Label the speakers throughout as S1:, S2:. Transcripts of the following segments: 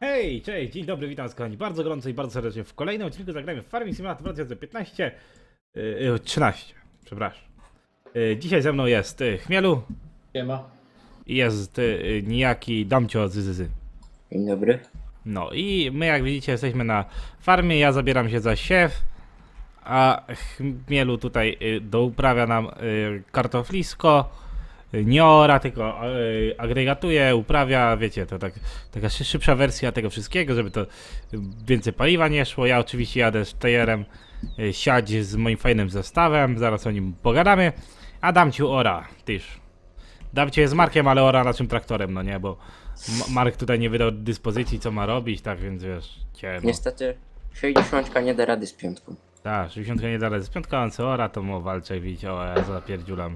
S1: Hej, cześć, dzień dobry, witam was kochani bardzo gorąco i bardzo serdecznie w kolejnym odcinku zagrajmy w Farming Simulator 2015 13, przepraszam. Dzisiaj ze mną jest Chmielu
S2: Siema.
S1: i jest niejaki Damcio Zyzyzy.
S3: Dzień dobry.
S1: No i my jak widzicie jesteśmy na farmie, ja zabieram się za siew, a Chmielu tutaj douprawia nam kartoflisko. Nie ora, tylko agregatuje, uprawia, wiecie, to taka szybsza wersja tego wszystkiego, żeby to więcej paliwa nie szło. Ja oczywiście jadę z tejerem siać z moim fajnym zestawem, zaraz o nim pogadamy. A Damciu ora, tyż. Damciu jest Markiem, ale ora naszym traktorem, no nie, bo Mark tutaj nie wydał dyspozycji, co ma robić, tak więc wiesz, ciemno.
S3: Niestety 60 nie da rady z piątką.
S1: Tak, 60 nie da rady z piątką, a co ora, to mu walczę, widzicie, o ja zapierdziulam.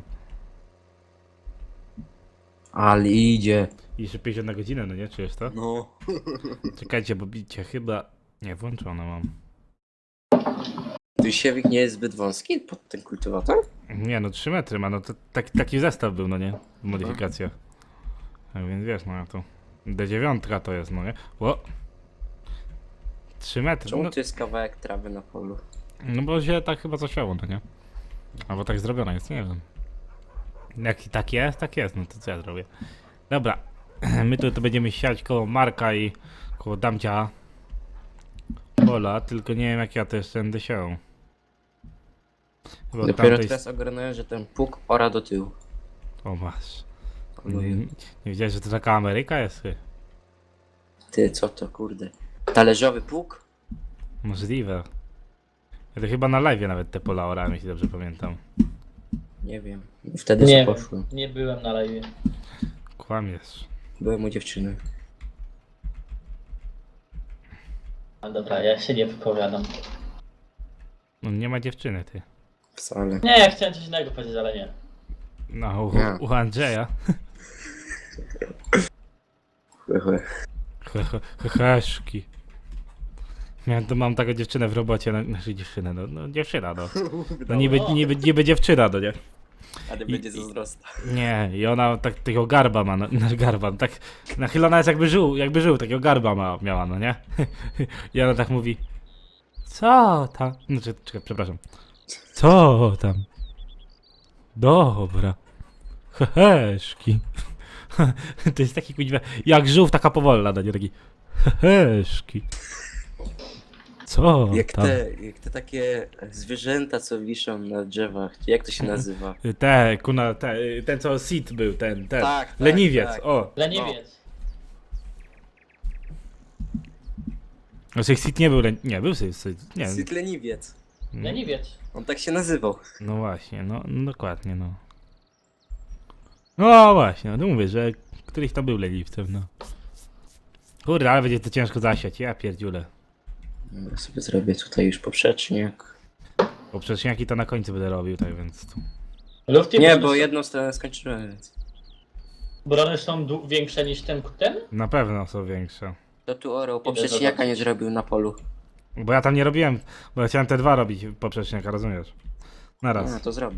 S3: Ale idzie.
S1: I jeszcze 50 na godzinę, no nie? Czujesz to?
S3: No.
S1: Czekajcie, bo bicie chyba... Nie, włączone mam.
S3: Tu siewik nie jest zbyt wąski pod ten kultywator?
S1: Nie, no 3 metry ma, no to taki zestaw był, no nie? Modyfikacja. Tak więc wiesz, no to... D9 to jest, no nie? O! 3 metry,
S3: Czemu
S1: no,
S3: tu jest kawałek trawy na polu?
S1: no bo się tak chyba zasiało, no nie? Albo tak zrobione jest, nie wiem. Jak tak jest, no to co ja zrobię? Dobra, my tu będziemy siać koło Marka i koło Damcia pola, tylko nie wiem jak ja to jeszcze będę siał. Bo
S3: Dopiero
S1: tamtej...
S3: teraz ogarnąłem, że ten pług ora do tyłu.
S1: O masz.
S3: Oluję.
S1: Nie wiedziałeś, że to taka Ameryka jest?
S3: Ty, co to kurde? Talerzowy pług?
S1: Możliwe. Ja to chyba na live nawet te pola orałem, jeśli dobrze pamiętam.
S3: Nie wiem. Wtedy
S2: Nie
S3: co
S2: wiem,
S3: poszło.
S2: nie byłem na live.
S1: Kłamiesz.
S3: Byłem u dziewczyny.
S2: A dobra, ja się nie wypowiadam.
S1: No nie ma dziewczyny, ty.
S3: Wcale.
S2: Nie, ja chciałem coś innego powiedzieć, ale nie.
S1: No,
S3: Nie.
S1: u Andrzeja.
S3: Chłe.
S1: Heheszki. Mam taką dziewczynę w robocie, znaczy dziewczynę, no dziewczyna, no. No niby dziewczyna, no nie?
S3: Ale będzie zazdrosna.
S1: Nie, i ona tak takiego garba ma, no, garba, no, tak nachylona jest jakby żył, takiego garba miała, no nie? I ona tak mówi, co tam? No czekaj, przepraszam. Co tam? Dobra. Heheszki. To jest taki kuźwa, jak żółw, taka powolna, no nie? Taki heheszki. Co
S3: Jak
S1: tam?
S3: te takie zwierzęta, co wiszą na drzewach. Jak to się nazywa?
S1: Ten co Sid był, ten.
S3: Tak,
S1: Leniwiec,
S3: tak.
S1: o.
S2: Leniwiec.
S1: Znaczy Sid nie był, nie, był Sid, nie.
S3: Syt leniwiec.
S2: Leniwiec.
S3: On tak się nazywał.
S1: No właśnie, no dokładnie, no. No właśnie, no mówię, że któryś tam był leniwcem, no. Kurde, ale będzie to ciężko zasiać, ja pierdziulę.
S3: Dobra, sobie zrobię tutaj już poprzeczniak.
S1: Poprzeczniaki to na końcu będę robił, tak więc tu.
S2: Lufty
S3: Nie,
S2: brony
S3: bo
S2: są-
S3: jedną stronę skończyłem, więc...
S2: Brony są większe niż ten?
S1: Na pewno są większe.
S3: To tu orał poprzeczniaka nie zrobił na polu.
S1: Bo ja tam nie robiłem, bo ja chciałem te dwa robić poprzeczniaka, rozumiesz? Naraz.
S3: No to zrobię.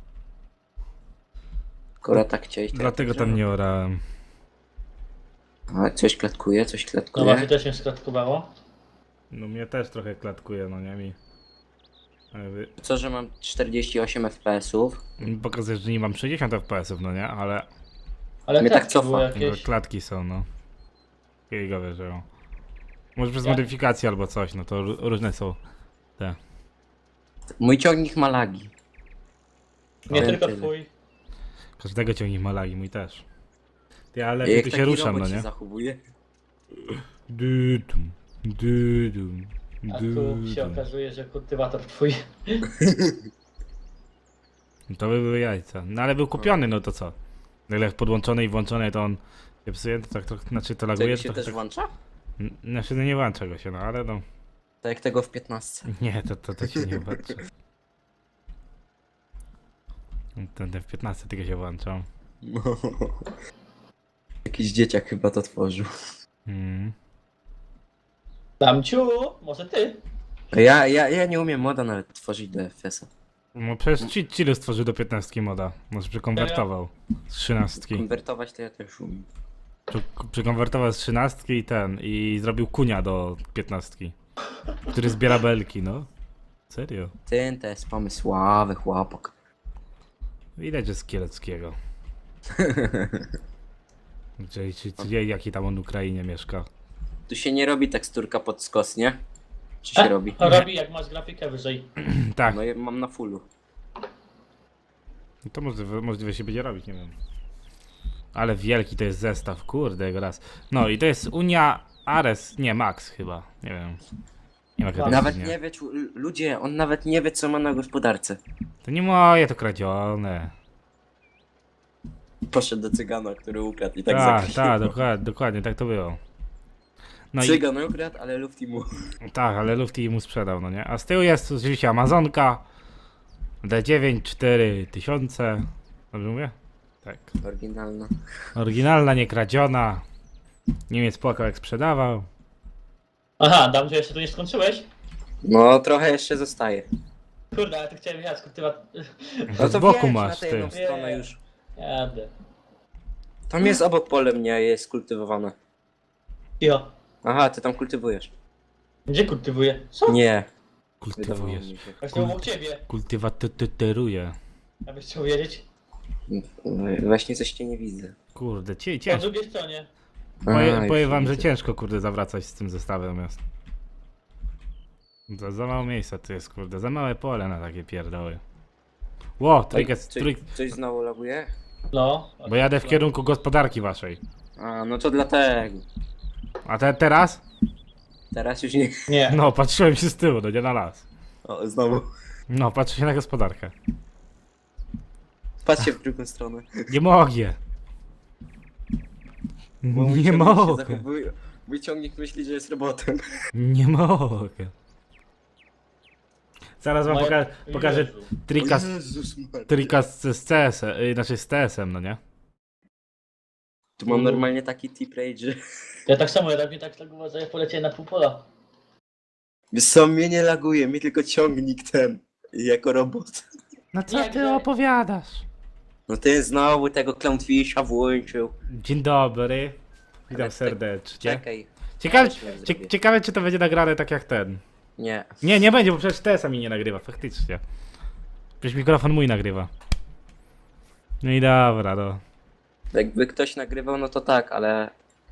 S3: Skoro tak chciałeś, to
S1: Dlatego
S3: ja tak
S1: tam nie orałem.
S3: zrobię. A, coś klatkuje, coś
S2: No
S3: klatkuje.
S2: właśnie też mnie sklatkowało.
S1: No mnie też trochę klatkuje, no nie mi. Jakby-
S3: Co, że mam 48 FPS-ów?
S1: Pokazuje, że nie mam 60 FPS-ów, no nie? Ale
S2: Ale
S3: Mnie tak
S2: klatki były
S3: cofa.
S2: jakieś.
S1: klatki są, no. Gigowe, że może przez
S2: Ja-
S1: modyfikację albo coś, no to różne są te.
S3: Mój ciągnik ma lagi.
S2: Nie
S3: Powiem
S2: tylko
S3: tyle.
S2: twój.
S1: Każdego ciągnik ma lagi, mój też. Ty, ale
S3: Jak
S1: tu się
S3: taki
S1: ruszam,
S3: robot
S1: no
S3: się
S1: nie?
S3: zachowuje.
S1: Dudum, dudum,
S2: A tu się okazuje, że kultywator twój.
S1: To by były jajca. No ale był kupiony, no to co? No ile podłączony i włączony, to on się psuje, to tak trochę, znaczy to laguje,
S3: Tego
S1: to
S3: się
S1: trochę
S3: też
S1: tak...
S3: włącza?
S1: Znaczy no nie włącza go się, no ale no...
S3: Tak jak tego w 15.
S1: Nie, to się nie włącza. Ten w 15 tylko się włączał.
S3: Jakiś dzieciak chyba to tworzył.
S1: Mm.
S2: Damciu, może ty?
S3: Ja nie umiem moda nawet tworzyć do FPS-a.
S1: No przecież Chile stworzył do 15 moda. Może przekonwertował z 13.
S3: Konwertować to ja też umiem.
S1: Przekonwertował z 13 i zrobił kunia do 15, który zbiera belki, no. Serio.
S3: Ten to jest pomysłowy chłopak.
S1: Widać, że z Kieleckiego. Jaki tam on w Ukrainie mieszka.
S3: Tu się nie robi teksturka pod skos, nie? Czy się robi?
S2: Robi jak masz grafikę wyżej.
S1: Tak,
S3: No ja mam na fullu.
S1: to możliwe się będzie robić, nie wiem. Ale wielki to jest zestaw, kurde, jego raz. No i to jest Unia Ares, nie, Max chyba, nie wiem. Nie ma
S2: Nawet
S3: Nawet
S1: nie.
S3: nie wie, ludzie, on nawet nie wie co ma na gospodarce.
S1: To nie moje, to kradzione.
S3: Poszedł do cygana, który ukradł i tak
S1: Tak,
S3: zakreślił.
S1: dokładnie, tak to było. No
S3: Cygan ukradł, ale lufti mu.
S1: tak, ale Lufty mu sprzedał, no nie? A z tyłu jest oczywiście Amazonka D9 4000. Dobrze mówię? Tak.
S3: Oryginalna.
S1: Oryginalna, nie kradziona. Niemiec płakał jak sprzedawał.
S2: Aha, dam, że jeszcze tu nie skończyłeś?
S3: No trochę jeszcze zostaje.
S2: Kurde, ale to chciałem jechać, kultywa...
S1: To z boku
S3: wiesz,
S1: masz,
S3: na tę
S1: ty.
S3: jedną stronę już.
S2: Jadę.
S3: Tam jest obok pole mnie, jest kultywowane.
S2: Jo.
S3: Aha, ty tam kultywujesz.
S2: Gdzie kultywuję? Co?
S3: Nie. Wydawało
S1: Kultywujesz.
S3: mi się.
S2: Właśnie obok ciebie.
S1: Kultywatyteruje.
S2: Abyś chciał wiedzieć.
S3: Właśnie coś cię nie widzę.
S1: Kurde,
S2: Po
S1: ciężko.
S2: drugiej stronie.
S1: Powiem wam, że
S3: widzę.
S1: ciężko, kurde, zawracać z tym zestawem jest. Za mało miejsca tu jest, kurde, za małe pole na takie pierdoły. Ło,
S3: Coś znowu laguje?
S2: No.
S1: bo jadę w kierunku gospodarki waszej.
S3: A, no to dlatego.
S1: A teraz?
S3: Teraz już nie.
S2: Nie.
S1: No, patrzyłem się z tyłu, no nie na las.
S3: O, znowu.
S1: No, patrzę się na gospodarkę.
S3: Patrzcie w drugą stronę.
S1: Nie mogę.
S3: Bo mój
S1: Nie
S3: ciągnik się
S1: mogę.
S3: zachowuje- Mój ciągnik myśli, że jest robotem.
S1: Nie mogę. Zaraz wam
S2: Moje-
S1: pokażę
S2: Jezu.
S1: trika,
S3: O Jezus Maria.
S1: trika z CS-em, znaczy z TS-em, no nie?
S3: Tu mam normalnie taki tip rage, że...
S2: Ja tak samo, ja tak mnie tak lagowało, że ja poleciałem na pół pola.
S3: Wiesz co, mnie nie laguje, mi tylko ciągnik ten. Jako robot.
S1: No co
S2: Jak
S1: ty
S2: to?
S1: opowiadasz?
S3: No ty znowu tego Clownfisha włączył.
S1: Dzień dobry. Witam
S3: Ale tak-
S1: serdecznie.
S3: Czekaj.
S1: Ciekawe,
S3: Ja zrobię.
S1: ciekawe, czy to będzie nagrane tak jak ten.
S3: Nie.
S1: Nie będzie, bo przecież TS-a mi nie nagrywa, faktycznie. Przecież mikrofon mój nagrywa. No i dobra, no.
S3: Jakby ktoś nagrywał, no to tak, ale...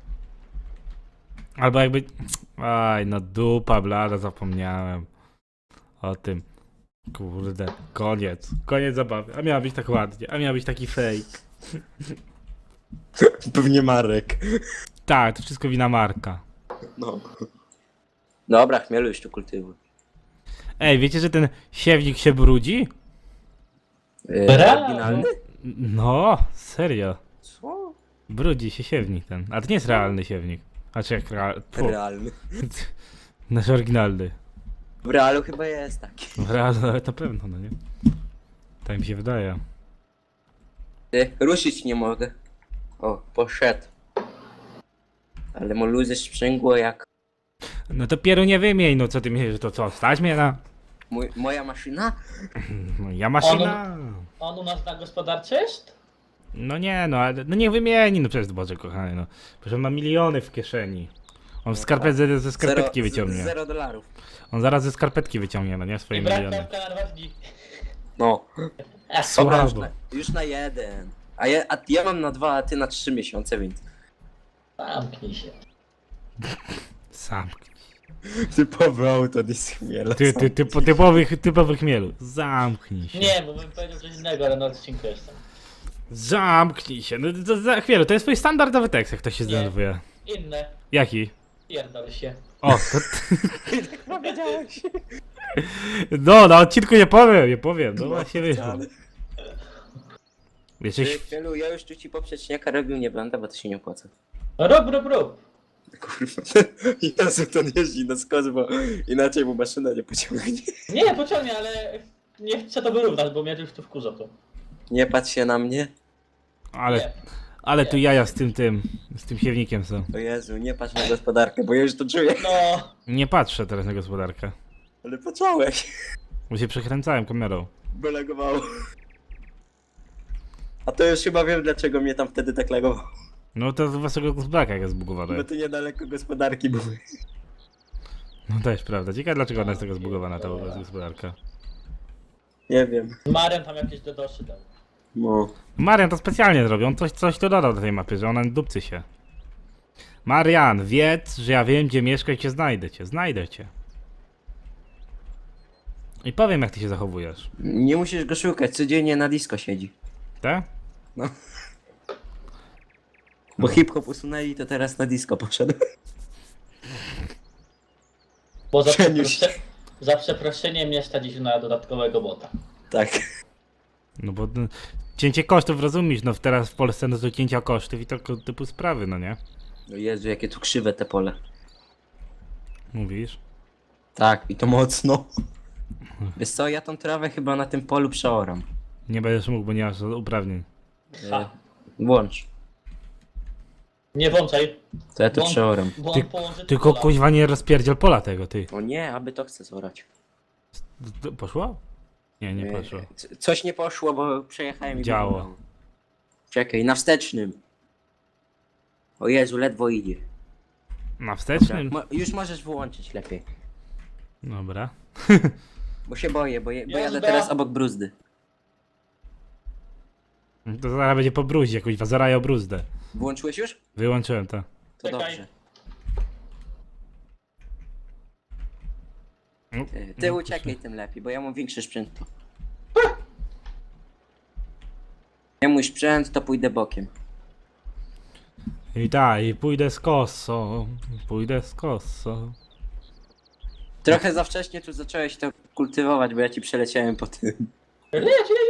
S1: Albo jakby... Aj, no dupa blada, zapomniałem. O tym. Kurde, koniec. Koniec zabawy. A miała być tak ładnie, a miał być taki fake.
S3: Pewnie Marek.
S1: Tak, to wszystko wina Marka.
S3: No. Dobra, chmielu już tu kultywuj.
S1: Ej, wiecie, że ten siewnik się brudzi?
S2: Brawo!
S3: Oryginalny?
S1: No, serio.
S3: Co?
S1: Brudzi się siewnik ten. A to nie jest realny siewnik. A czy jak
S3: Realny.
S1: Nasz oryginalny.
S3: W realu chyba jest taki.
S1: W realu nawet na pewno, no nie? Tak mi się wydaje.
S3: Ty, ruszyć nie mogę. O, poszedł. Ale mu luzy sprzęgło jak...
S1: No to pieru nie wymień, no co ty myślisz, że to co, stać mnie na...
S3: Moja maszyna?
S1: No, ja maszyna...
S2: On u nas na gospodarce jest?
S1: No nie, no ale no niech wymieni, no przecież Boże kochany, no. Przecież on ma miliony w kieszeni. On ze skarpetki wyciągnie.
S3: $0.
S1: On zaraz ze skarpetki wyciągnie, no nie? Swoje
S2: I brak
S1: miliony.
S2: kawka na 2 dni.
S3: No. Dobra,
S1: Słabo.
S3: już na jeden. A ja mam na 2, a ty na 3 miesiące, więc...
S2: Zamknij się.
S1: Sam.
S3: Typowy auto nie
S1: Typowy chmielu. Zamknij się.
S2: Nie, bo bym powiedział coś innego, ale na odcinku jestem.
S1: Zamknij się. No to za chwilę, to jest twój standardowy tekst, jak to się
S2: Nie.
S1: zdenerwuje.
S2: Inne.
S1: Jaki?
S2: Pierdol się.
S1: O, to...
S3: powiedziałeś.
S1: No, na odcinku nie powiem, no właśnie wyszło. Jesteś...
S3: Chwielu, ja już tu ci poprzeczniaka robił nie będę, bo to się nie opłaca.
S2: Rób.
S3: Kurwa, Jezu, ten jeździ na skos, bo inaczej mu maszyna nie pociągnie.
S2: Nie, pociągnie, ale nie chcę to wyrównać, bo mnie już tu wkurza to.
S3: Nie patrz się na mnie.
S2: Nie.
S1: Ale tu jaja z tym siewnikiem są.
S3: O Jezu, nie patrz na gospodarkę, bo ja już to czuję.
S2: No,
S1: Nie patrzę teraz na gospodarkę,
S3: Ale począłeś.
S1: bo się przekręcałem kamerą.
S3: Bo lagowało. A to już chyba wiem, dlaczego mnie tam wtedy tak lagowało.
S1: No to z waszego gospodarka jak jest zbugowane.
S3: Bo to niedaleko gospodarki były.
S1: No też prawda. Ciekawe dlaczego ona jest taka zbugowana ta gospodarka.
S3: Nie wiem.
S2: Marian tam jakieś dodoszy dał.
S3: No.
S1: Marian to specjalnie zrobił, on coś tu dodał do tej mapy, że ona dupcy się. Marian, wiedz, że ja wiem gdzie mieszkasz i cię znajdę cię. I powiem jak ty się zachowujesz.
S3: Nie musisz go szukać, codziennie na disco siedzi.
S1: Tak?
S3: Bo hip-hop usunęli, to teraz na disco poszedł.
S2: Bo za,
S3: Przeniósł się.
S2: za przeproszeniem nie stać na dodatkowego bota.
S3: Tak.
S1: No bo cięcie kosztów rozumiesz, no teraz w Polsce no to cięcia kosztów i tego typu sprawy, no nie?
S3: O Jezu, jakie tu krzywe te pole.
S1: Mówisz?
S3: Tak, i to mocno. Wiesz co, ja tą trawę chyba na tym polu przeoram.
S1: Nie będziesz mógł, bo nie masz uprawnień.
S2: Ha.
S3: Włącz.
S2: Nie włączaj,
S3: To ja to
S2: Włącz.
S3: przeoram.
S2: bo
S1: Ty-
S2: on połączy
S1: Tylko
S2: pola.
S1: kuźwa nie rozpierdziel pola tego, ty.
S3: O nie, aby to chcę zorać.
S1: Poszło? Nie, nie poszło.
S3: Coś nie poszło, bo przejechałem i
S1: Działo.
S3: wyglądało. Czekaj, na wstecznym. O Jezu, ledwo idzie.
S1: Na wstecznym?
S3: Już możesz wyłączyć lepiej.
S1: Dobra.
S3: Bo się boję, bo jadę
S2: Jazda.
S3: teraz obok bruzdy.
S1: To zaraz będzie po bruździe, kuźwa, zarają bruzdę.
S3: Włączyłeś już?
S1: Wyłączyłem to.
S3: To
S2: Czekaj.
S3: dobrze.
S1: No,
S3: Ty uciekaj tym lepiej, bo ja mam większy sprzęt. Nie mój sprzęt, to pójdę bokiem.
S1: I tak, i pójdę z kosą.
S3: Trochę za wcześnie tu zacząłeś to kultywować, bo ja ci przeleciałem po tym.
S2: Leć.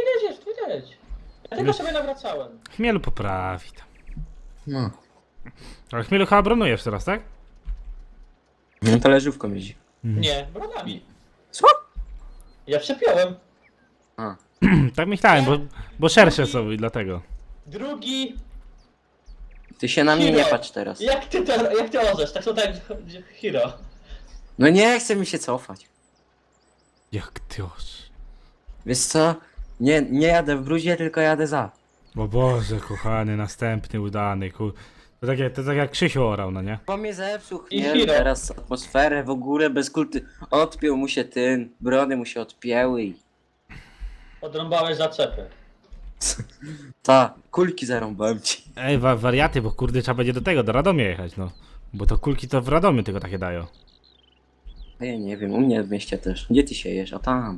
S2: Ja tylko sobie nawracałem.
S1: Chmielu poprawi tam.
S3: No.
S1: Ale Chmielu chyba bronujesz teraz, tak?
S3: No to leżówką jeździ.
S2: Nie, brodami.
S3: Co?
S2: Ja przepiąłem.
S3: A.
S1: Tak myślałem, bo szersze są i dlatego.
S2: Drugi.
S3: Ty się na mnie
S2: Hiro.
S3: nie patrz teraz.
S2: Jak ty orzesz? Tak to tak, hero.
S3: No nie chce mi się cofać.
S1: Jak ty oż.
S3: Wiesz co? Nie jadę w bruzie, tylko jadę za.
S1: O Boże, kochany, następny udany, to tak jak Krzysiu orał, no nie?
S3: Bo mnie zepsuł
S2: I
S3: chmiel,
S2: Hiro.
S3: teraz atmosferę w ogóle bez kulty. Odpiął mu się ten, brody mu się odpięły i...
S2: Odrąbałeś zaczepy.
S3: Ta, kulki zarąbałem ci.
S1: Ej, wariaty, bo kurde trzeba będzie do Radomia jechać, no. Bo to kulki to w Radomiu tylko takie dają.
S3: A ja nie wiem, u mnie w mieście też. Gdzie ty siejesz? A tam.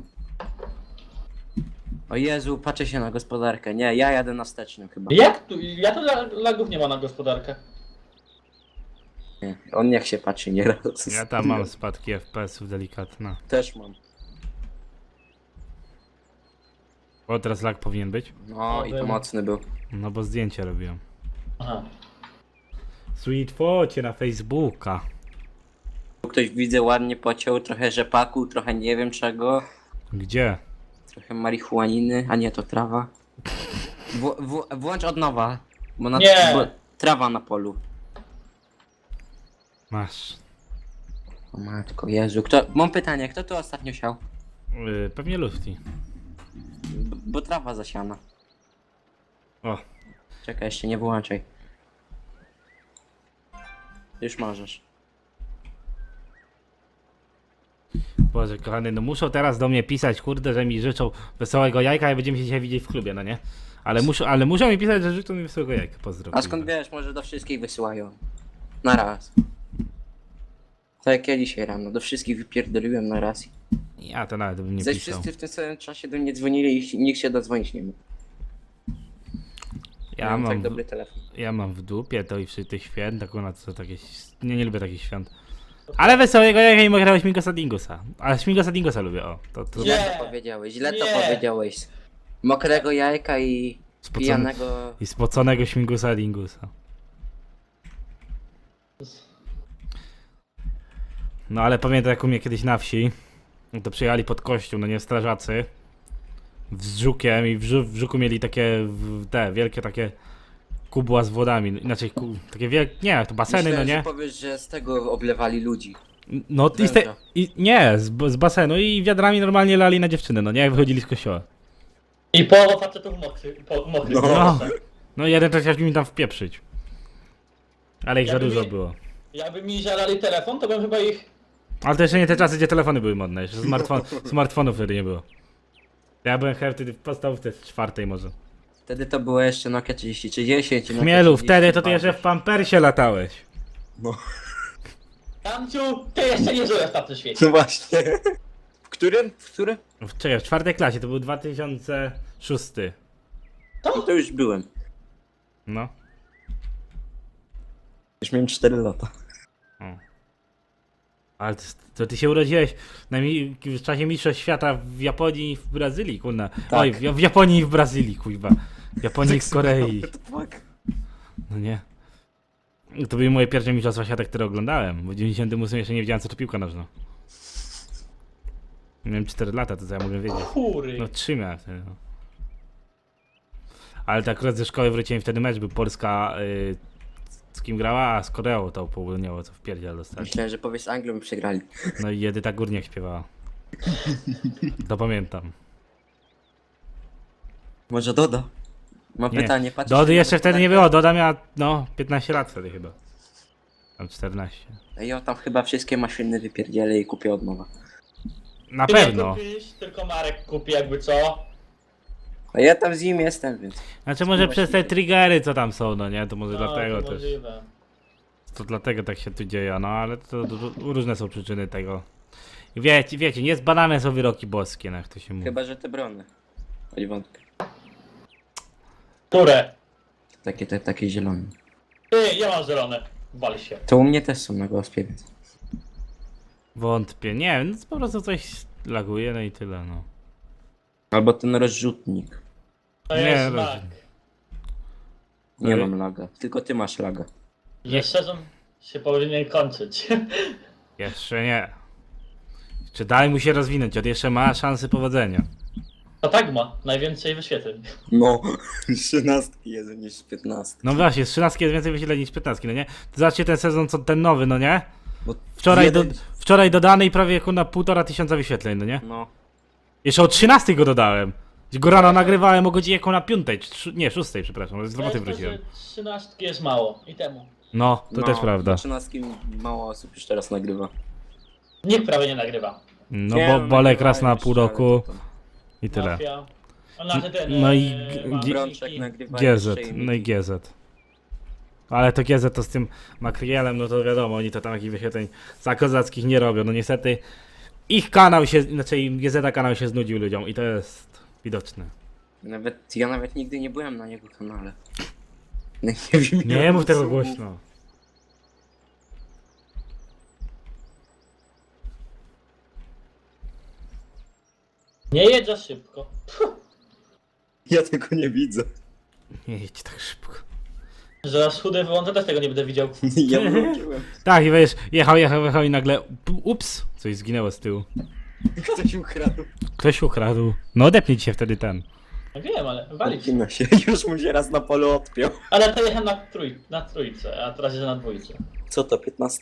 S3: O Jezu, patrzę się na gospodarkę. Nie, ja jadę na wstecznym chyba.
S2: Jak tu? Ja tu lagów nie ma na gospodarkę.
S3: Nie, on niech się patrzy nieraz.
S1: Ja tam mam spadki FPS-ów delikatne.
S3: Też mam.
S1: O, teraz lag powinien być?
S3: No i to mocny był.
S1: No bo zdjęcie robiłem.
S2: Aha.
S1: Sweet focie na Facebooka.
S3: Tu ktoś widzę ładnie pociął, trochę rzepaku, trochę nie wiem czego.
S1: Gdzie?
S3: Trochę marihuaniny, a nie to trawa. Włącz od nowa. Bo
S2: Nie.
S3: Bo trawa na polu.
S1: Masz.
S3: O matko, Jezu, mam pytanie, kto tu ostatnio siał?
S1: Pewnie Lufti.
S3: Bo trawa zasiana.
S1: O,
S3: Czekaj, jeszcze nie wyłączaj. Już możesz.
S1: Boże kochany, no muszą teraz do mnie pisać, kurde, że mi życzą wesołego jajka i będziemy się dzisiaj widzieć w klubie, no nie? Ale muszą mi pisać, że życzą mi wesołego jajka, pozdro.
S3: A skąd wiesz, może do wszystkich wysyłają. Na raz. Tak jak ja dzisiaj rano, do wszystkich wypierdoliłem na raz.
S1: Ja to nawet bym nie
S3: Zaś
S1: pisał.
S3: wszyscy w tym samym czasie do mnie dzwonili i nikt się dodzwonić nie mógł.
S1: Ja
S3: tak dobry telefon.
S1: Ja mam w dupie to i tych świąt, akurat co takie... Nie lubię takich świąt. Ale wesołego jajka i mogę Śmigosa Dingusa. Ale Śmigosa Dingusa lubię, o. To
S2: Nie.
S3: Źle to powiedziałeś, źle to
S2: Nie.
S3: powiedziałeś. Mokrego jajka i pijanego...
S1: I spoconego Śmigusa Dingusa. No ale pamiętam jak u mnie kiedyś na wsi, to przyjechali pod kościół, no nie, strażacy. Z żukiem i w żuku mieli takie, te wielkie takie kubła z wodami, inaczej takie wielkie, nie, to baseny,
S3: Myślałem,
S1: no nie?
S3: że powiesz, że z tego oblewali ludzi.
S1: No i,
S3: Węża.
S1: nie, z basenu i wiadrami normalnie lali na dziewczyny, no nie, jak wychodzili z kościoła.
S2: I połowa facetów mokrych.
S3: No.
S1: No, no jeden to chciał mi tam wpieprzyć. Ale ich za
S2: Jakby
S1: dużo
S2: mi-
S1: było.
S2: Jakby mi żalali telefon, to bym chyba ich...
S1: Ale to jeszcze nie te czasy, gdzie telefony były modne. Jeszcze smartfonów wtedy nie było. Ja byłem chyba wtedy w podstawówce 4 może.
S3: Wtedy to było jeszcze Nokia 3030. Nokia
S1: Chmielu, wtedy to ty
S3: 32.
S1: jeszcze w pampersie latałeś.
S3: No.
S2: Tamciu, ty jeszcze nie żyjesz na tym świecie.
S3: No właśnie. W którym? W którym?
S1: Czekaj, w 4 klasie, to był 2006.
S3: No to już byłem.
S1: No.
S3: Już miałem 4 lata.
S1: Ale to ty się urodziłeś w czasie mistrzostw świata w Japonii i w Brazylii, kurna.
S3: Tak.
S1: Oj, w Japonii i w Brazylii, kuźwa. W Japonii i w Korei. No nie. To były moje pierwsze mistrzostwa świata, które oglądałem. Bo w 98 jeszcze nie wiedziałem, co to piłka nożna. Miałem 4 lata, to co ja mogę wiedzieć.
S2: Kury.
S1: No 3 miałem wtedy, no. Ale tak akurat ze szkoły wróciłem, wtedy mecz był Polska z kim grała, a z Koreą to południowo, co w pierdziel dostali.
S3: Myślałem, że powiedz Anglią i przegrali.
S1: No i Edyta Górniak śpiewała. To pamiętam.
S3: Może Doda? Mam
S1: Nie.
S3: pytanie, patrz.
S1: Dody jeszcze wtedy nie było, Doda miała, no, 15 lat wtedy chyba. Tam 14.
S3: I on tam chyba wszystkie maszyny wypierdzielę i kupię od nowa.
S1: Na
S2: Ty nie
S1: pewno.
S2: kupisz, tylko Marek kupi jakby co.
S3: A ja tam z nim jestem, więc...
S1: Znaczy może przez te triggery co tam są, no nie? To może
S2: No,
S1: dlatego
S2: to
S1: też.
S2: możliwe.
S1: To dlatego tak się tu dzieje, no ale to różne są przyczyny tego. I wiecie, nie zbadane są wyroki boskie, no jak to się mówi.
S3: Chyba, że te brony. Chodź wątpię.
S2: Które?
S3: Takie zielone.
S2: Ty, ja mam zielone. Wal się.
S3: To u mnie też są na gospie, więc...
S1: Wątpię, nie wiem, no, po prostu coś laguje, no i tyle, no.
S3: Albo ten rozrzutnik.
S2: To
S1: Nie,
S2: jest
S1: rozumiem.
S2: lag.
S3: Nie
S1: Ale-
S3: mam laga. Tylko ty masz laga.
S2: Że sezon się powinien kończyć.
S1: Jeszcze nie. Czy daj mu się rozwinąć, on jeszcze ma szansę powodzenia.
S2: To tak ma. Najwięcej wyświetleń.
S3: No, 13 jest niż 15.
S1: No właśnie, z 13 jest więcej wyświetleń niż 15, no nie? To zobaczcie ten sezon, co ten nowy, no nie?
S3: Bo
S1: Wczoraj, wczoraj dodany i prawie na 1500 wyświetleń, no nie?
S3: No,
S1: Jeszcze o 13 go dodałem. Go rano nagrywałem o godzinie na 5, nie, 6, przepraszam, z roboty wróciłem.
S2: 13 jest mało. I temu.
S1: No, to też prawda.
S3: 13 mało osób już teraz nagrywa.
S2: Nikt prawie nie nagrywa.
S1: No
S3: Nie,
S1: bo
S3: no,
S1: Bolek raz na
S3: nagrywają
S1: pół
S3: jeszcze, ale
S1: roku
S3: to tam.
S1: i tyle.
S2: Mafia. A znaczy ten,
S1: No i
S2: Mafiki.
S3: Brączek nagrywa
S1: GZ,
S3: jeszcze i-
S1: no i GZ. Ale to GZ to z tym Makrielem, no to wiadomo, oni to tam jakichś wyświetleń za kozackich nie robią. No niestety ich kanał się, znaczy GZ kanał się znudził ludziom i to jest widoczne.
S3: Ja nawet nigdy nie byłem na jego kanale. Nie, wiem,
S1: Nie
S3: ile
S1: mów tego
S3: osób.
S1: głośno.
S2: Nie jedź za szybko.
S3: Ja tego nie widzę.
S1: Nie jedź tak szybko.
S2: Zaraz chudy wyłączę, też tego nie będę widział.
S3: Ja włączyłem.
S1: Tak i wiesz, jechał i nagle ups, coś zginęło z tyłu.
S3: Ktoś ukradł.
S1: Ktoś ukradł. No odepnij się wtedy ten.
S2: No wiem, ale walić.
S3: Odcina się. Już mu się raz na polu odpiął.
S2: Ale to jechałem na trójce, a teraz jeżdżę na dwójce.
S3: Co to, 15?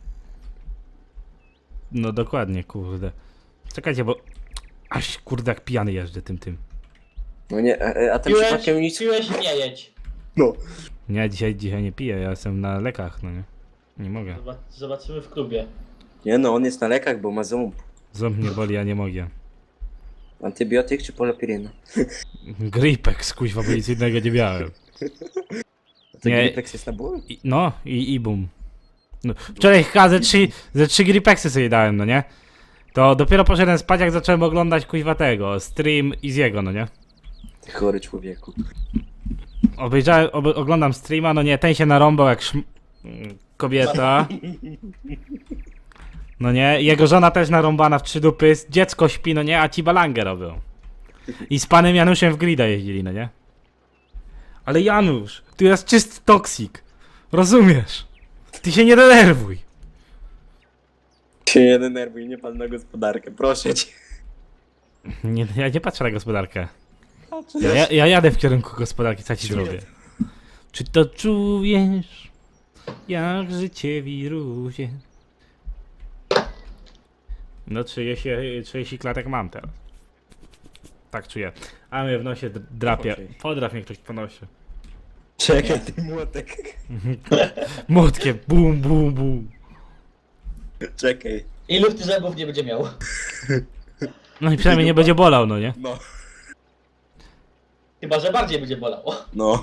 S1: No dokładnie, kurde. Czekajcie, bo aż kurde jak pijany jeżdżę tym.
S3: No nie, a ten przypadkiem nic...
S2: Piłeś, nie jedź.
S3: No.
S1: Nie, dzisiaj nie piję, ja jestem na lekach, no nie. Nie mogę.
S2: Zobaczymy w klubie.
S3: Nie no, on jest na lekach, bo ma ząb.
S1: Ząb mnie boli, ja nie mogę.
S3: Antybiotyk czy polopiryna?
S1: Gripex, kuźwa, bo nic innego nie miałem.
S3: To
S1: Nie.
S3: Gripex jest na ból?
S1: No i bum. No, wczoraj chyba ze 3 Gripexy sobie dałem, no nie? To dopiero poszedłem spać, jak zacząłem oglądać kuźwa tego, stream Iziego, no nie?
S3: Ty chory człowieku.
S1: Oglądam streama, no nie, ten się narąbał jak kobieta. No nie, jego żona też narąbana w 3 dupy, dziecko śpi, no nie, a ci balangę robią. I z panem Januszem w grida jeździli, no nie? Ale Janusz, ty jest czysty toksik. Rozumiesz? Ty się nie denerwuj.
S3: Się nie denerwuj, nie pan na gospodarkę, proszę cię.
S1: Nie, ja nie patrzę na gospodarkę. Ja jadę w kierunku gospodarki, co ci zrobię. Czy to czujesz, jak życie wiruje? No 30 klatek mam teraz. Tak czuję. A mnie w nosie drapie. Podrap mnie ktoś po nosie.
S3: Czekaj, ty młotek.
S1: Młotkiem, bum, bum, bum.
S3: Czekaj.
S2: Ilu ty zębów nie będzie miał?
S1: No i przynajmniej nie będzie bolał, no nie?
S3: No.
S2: Chyba, że bardziej będzie bolało.
S3: No.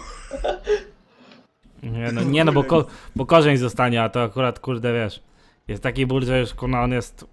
S1: Nie no, bo korzeń zostanie, a to akurat, kurde, wiesz, jest taki ból, że już, kurna, on jest...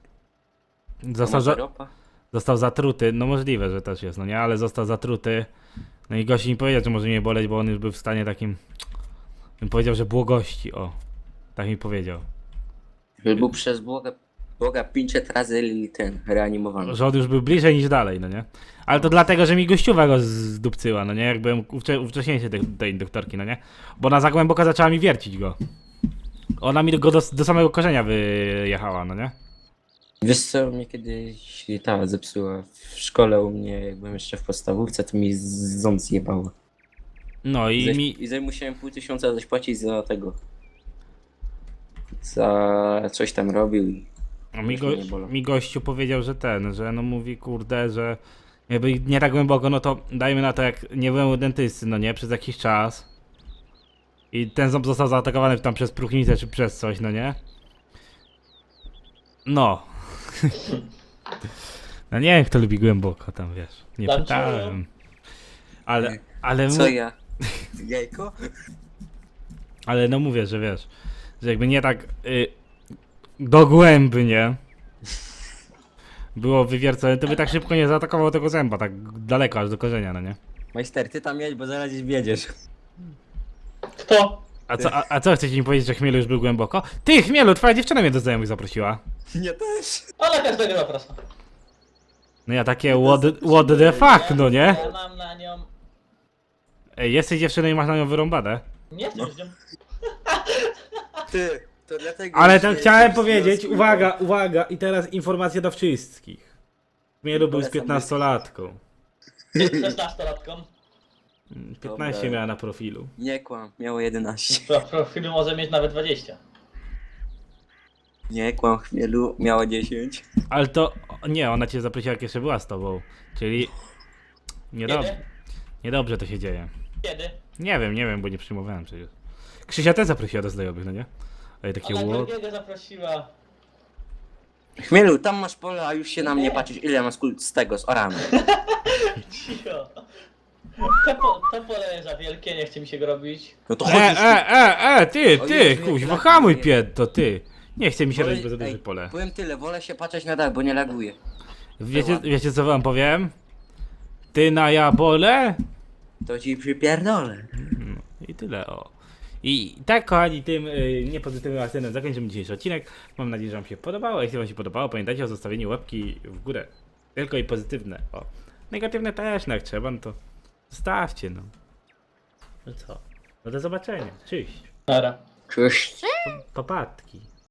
S1: Został zatruty, no możliwe, że też jest, no nie, ale został zatruty. No i gości nie powiedział, że może mnie boleć, bo on już był w stanie takim... Bym powiedział, że błogości, o. Tak mi powiedział.
S3: Był przez Boga 500 razy ten reanimowany.
S1: Że on już był bliżej niż dalej, no nie? Ale to dlatego, że mi gościuwa go zdupcyła, no nie? Jak byłem u wcześniejszej tej doktorki, no nie? Bo ona za głęboko zaczęła mi wiercić go. Ona mi go do samego korzenia wyjechała, no nie?
S3: Wiesz co, mnie kiedyś ta zepsuła w szkole u mnie, jak byłem jeszcze w podstawówce, to mi ząb zjebało.
S1: No i
S3: I musiałem 500 coś płacić za tego. Za coś tam robił i...
S1: A mi,
S3: Już mnie nie bolą.
S1: mi gościu powiedział, że no mówi, kurde, że jakby nie tak głęboko, no to dajmy na to, jak nie byłem u dentysty, no nie, przez jakiś czas. I ten ząb został zaatakowany tam przez próchnicę czy przez coś, no nie? No. No nie wiem, kto lubi głęboko tam, wiesz. Nie
S2: Tam
S1: pytałem. Ale,
S3: Co ja? Jajko?
S1: ale no mówię, że wiesz, że jakby nie tak dogłębnie było wywiercone, to by tak szybko nie zaatakował tego zęba, tak daleko aż do korzenia, no nie?
S3: Majster, ty tam jedź, bo zaraz gdzieś wiedziesz.
S2: Kto?
S1: A co chcecie mi powiedzieć, że Chmielu już był głęboko? Ty, Chmielu, twoja dziewczyna mnie do znajomych zaprosiła.
S3: Nie też.
S2: Ona każdego zaprasza.
S1: No ja takie what the fuck, no nie?
S2: Ja mam na nią...
S1: Ej, jesteś dziewczyną i masz na nią wyrąbane.
S2: Nie jestem z nią.
S3: Ty, to dlatego...
S1: Ale to chciałem powiedzieć, uwaga, i teraz informacja do wszystkich. Chmielu był z
S3: Polecam
S1: 15-latką.
S2: 16-latką.
S1: 15
S3: Dobra.
S1: miała na profilu.
S3: Nie kłam, miało 11.
S2: W profilu może mieć nawet 20.
S3: Nie kłam, chmielu, miało 10.
S1: Ale to, nie, ona cię zaprosiła, jak jeszcze była z tobą. Czyli, niedobrze,
S2: Kiedy?
S1: niedobrze to się dzieje.
S2: Kiedy?
S1: Nie wiem, bo nie przyjmowałem przecież. Krzysia też zaprosiła do znajomych, no nie? Ale takie
S2: Ona
S1: what?
S2: drugiego zaprosiła.
S3: Chmielu, tam masz pole, a już się na mnie patrzysz, ile masz z tego, z oramy.
S2: Cicho. To pole za wielkie, nie chce mi się go robić.
S3: No to
S1: ty,
S3: O Jezu, jak
S1: kuźwa,
S3: laguje.
S1: hamuj pied, to ty. Nie chce mi się robić za duże pole.
S3: Powiem tyle, wolę się patrzeć na dach, bo nie laguje.
S1: Wiecie co wam powiem? Ty na jabole?
S3: To ci przypierdolę.
S1: I tyle, o. I tak, kochani, tym niepozytywnym akcentem zakończymy dzisiejszy odcinek. Mam nadzieję, że wam się podobało. Jeśli wam się podobało, pamiętajcie o zostawieniu łapki w górę. Tylko i pozytywne, o. Negatywne też, no jak trzeba, no to zostawcie, no. No co? No do zobaczenia. Cześć.
S2: Dobra.
S3: Cześć.
S1: Papatki.